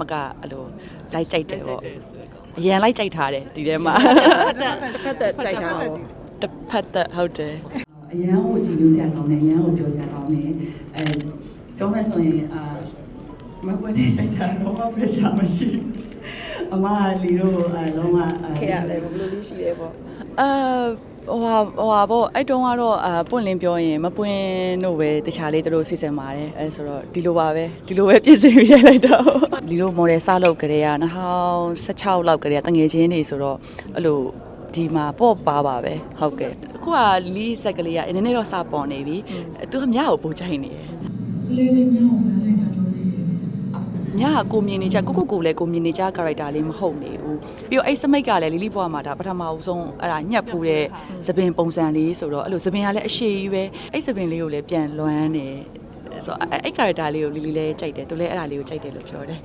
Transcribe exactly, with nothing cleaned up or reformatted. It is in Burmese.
မကအဲ့လိုလိုက်ကြိုက်တယ်ပေါ့အရန်လိုက်ကြိုက်ထားတယ်ဒီထဲမှာတစ်ဖက်သက်ကြိုက်ထားတော့တစ်ဖက်သက်ဟုတ်တယ်အရန်ကိုကြည့်လို့ဆက်ကောင်းတယ်အရန်ကိုပြောဆက်ကောင်းတယ်အဲပြောမယ်ဆိုရင်အာမကွန်းနေလိုက်တာတော့ pressure မရှိအမလီတို့အဲလုံးဝခေရတယ်ဘယ်လိုလေးရှိလဲပေါ့အာဟိုဟာဟိုဟာပေါ့အဲ့တုန်းကတော့အာပွင့်လင်းပြောရင်မပွင့်တို့ပဲတခြားလေးတို့စီစဉ်ပါတယ်အဲဆိုတော့ဒီလိုပါပဲဒီလိုပဲပြင်ဆင်ပြရိုက်လိုက်တော့ဒီလို model စလုပ်ကြတဲ့က၂၀၁၆လောက်ကတည်းကတငယ်ချင်းတွေဆိုတော့အဲ့လိုဒီမှာပေါ့ပါပါပဲဟုတ်ကဲ့အခုကလီဆက်ကလေးကနည်းနည်းတော့စပေါ်နေပြီသူကမြကိုပို့ချိုင်နေတယ်လေးလေးမြကိုလမ်းလိုက်တာတော့မြကကိုမြင်နေကြကိုကိုကိုလည်းကိုမြင်နေကြ character လေးမဟုတ်နေဘူးပြီးတော့အဲ့စမိတ်ကလည်းလီလီဘွားမှာဒါပထမအဆုံးအဲ့ဒါညှက်ဖူးတဲ့သပင်ပုံစံလေးဆိုတော့အဲ့လိုသပင်ကလည်းအရှိကြီးပဲအဲ့သပင်လေးကိုလည်းပြန်လွမ်းနေဆိုတော့အဲ့ character လေးကိုလီလီလည်းကြိုက်တယ်သူလည်းအဲ့ဒါလေးကိုကြိုက်တယ်လို့ပြောတယ်